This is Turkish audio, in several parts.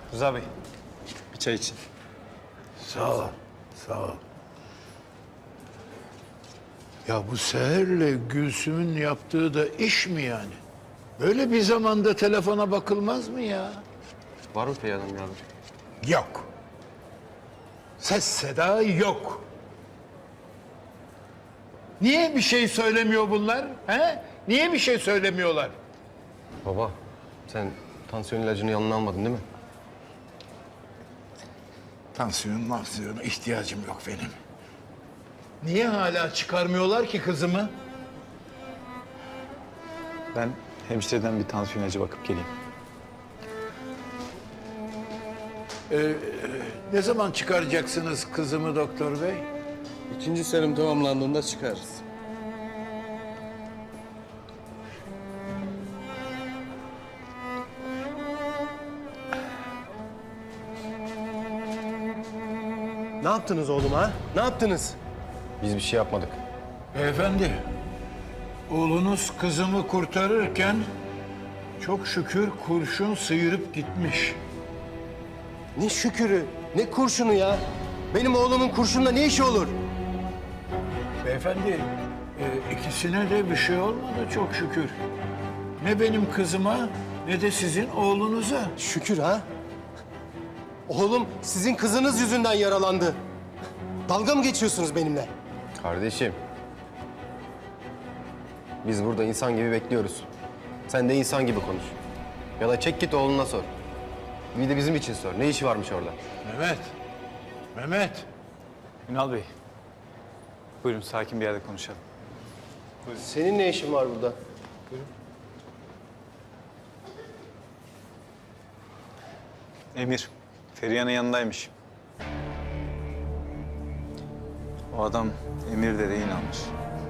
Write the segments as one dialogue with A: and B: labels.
A: Rıza Bey, bir çay için.
B: Sağ ol, sağ ol. Ya bu Seher'le Gülsüm'ün yaptığı da iş mi yani? Böyle bir zamanda telefona bakılmaz mı ya?
A: Var mı Perihan Hanım abi?
B: Yok. Ses seda yok. Niye bir şey söylemiyor bunlar? He? Niye bir şey söylemiyorlar?
A: Baba, sen tansiyon ilacını yanına almadın değil mi?
B: Tansiyona ihtiyacım yok benim. Niye hala çıkarmıyorlar ki kızımı?
C: Ben hemşireden bir tansiyon ilacı bakıp geleyim.
B: Ne zaman çıkaracaksınız kızımı doktor bey?
D: İkinci serum tamamlandığında çıkarız.
A: Ne yaptınız oğlum ha? Ne yaptınız? Biz bir şey yapmadık.
B: Beyefendi, oğlunuz kızımı kurtarırken çok şükür kurşun sıyırıp gitmiş.
A: Ne şükürü, ne kurşunu ya? Benim oğlumun kurşunla ne işi olur?
B: Beyefendi, ikisine de bir şey olmadı çok şükür. Ne benim kızıma ne de sizin oğlunuza.
A: Şükür ha? Oğlum sizin kızınız yüzünden yaralandı. Dalga mı geçiyorsunuz benimle? Kardeşim. Biz burada insan gibi bekliyoruz. Sen de insan gibi konuş. Ya da çek git oğluna sor. Bir de bizim için sor. Ne işi varmış orada?
B: Mehmet.
C: Ünal Bey, buyurun sakin bir yerde konuşalım.
A: Senin ne işin var burada?
C: Emir, Feriha'nın yanındaymış. O adam Emir de rehin almış.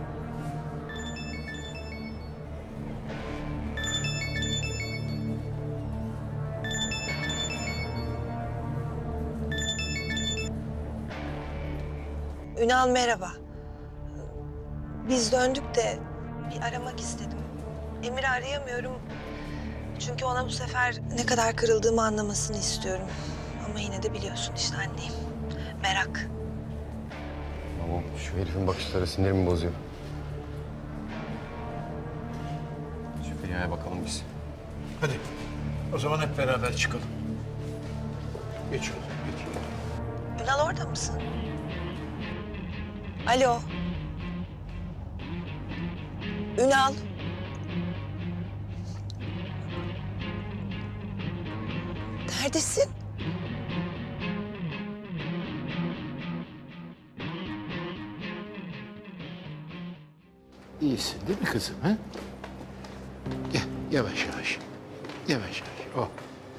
E: Ünal merhaba. Biz döndük de bir aramak istedim. Emir'i arayamıyorum. Çünkü ona bu sefer ne kadar kırıldığımı anlamasını istiyorum. Ama yine de biliyorsun işte anneyim. Merak.
A: Tamam, şu herifin bakışları sinirimi bozuyor. Şu Feriha'ya bakalım biz.
B: Hadi o zaman hep beraber çıkalım. Geç oğlum, geç.
E: Ünal orada mısın? Alo. Ünal. Neredesin?
B: İyisin değil mi kızım? Ha? Gel yavaş yavaş. Yavaş yavaş. Oh.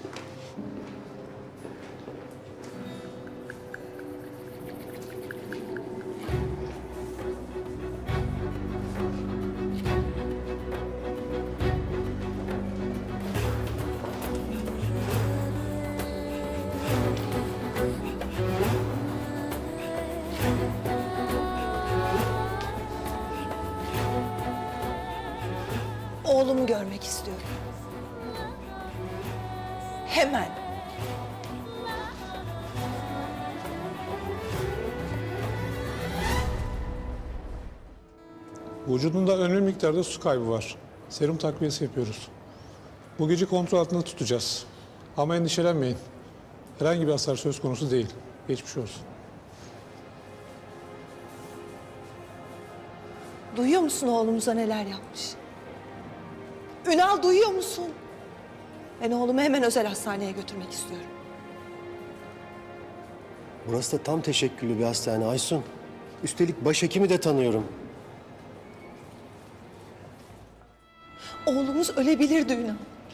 E: Oğlumu görmek istiyorum. Hemen.
F: Vücudunda önemli miktarda su kaybı var. Serum takviyesi yapıyoruz. Bu gece kontrol altında tutacağız. Ama endişelenmeyin. Herhangi bir hasar söz konusu değil. Geçmiş olsun.
E: Duyuyor musun oğlumuza neler yapmış? Ünal duyuyor musun? Ben oğlumu hemen özel hastaneye götürmek istiyorum.
A: Burası da tam teşekküllü bir hastane Aysun. Üstelik başhekimi de tanıyorum.
E: Oğlumuz ölebilirdi Ünal.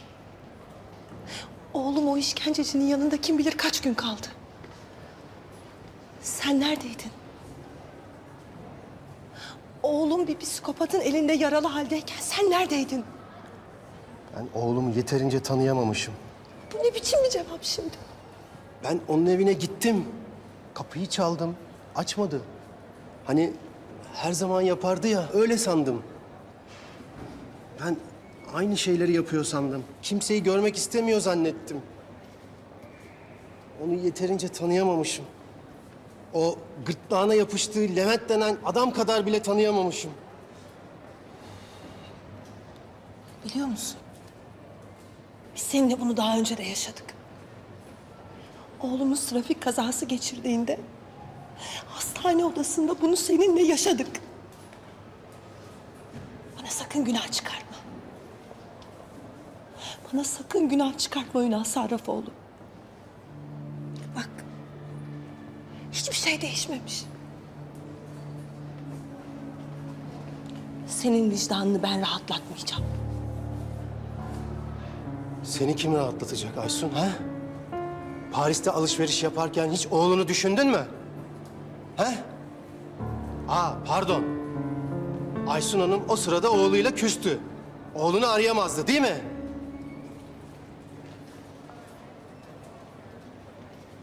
E: Oğlum o işkencecinin yanında kim bilir kaç gün kaldı. Sen neredeydin? Oğlum bir psikopatın elinde yaralı haldeyken sen neredeydin?
A: Ben oğlumu yeterince tanıyamamışım.
E: Bu ne biçim bir cevap şimdi?
A: Ben onun evine gittim. Kapıyı çaldım. Açmadı. Hani her zaman yapardı ya, öyle sandım. Ben aynı şeyleri yapıyor sandım. Kimseyi görmek istemiyor zannettim. onu yeterince tanıyamamışım. O gırtlağına yapıştığı Levent denen adam kadar bile tanıyamamışım.
E: Biliyor musun? Biz seninle bunu daha önce de yaşadık. Oğlumuz trafik kazası geçirdiğinde hastane odasında bunu seninle yaşadık. Bana sakın günah çıkartma. Bana sakın günah çıkartma Ünal Sarrafoğlu. Bak, hiçbir şey değişmemiş. Senin vicdanını ben rahatlatmayacağım.
A: Seni kim rahatlatacak Aysun ha? Paris'te alışveriş yaparken hiç oğlunu düşündün mü? He? Pardon. Aysun Hanım o sırada oğluyla küstü. Oğlunu arayamazdı değil mi?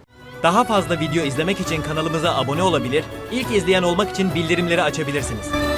G: Daha fazla video izlemek için kanalımıza abone olabilir, ilk izleyen olmak için bildirimleri açabilirsiniz.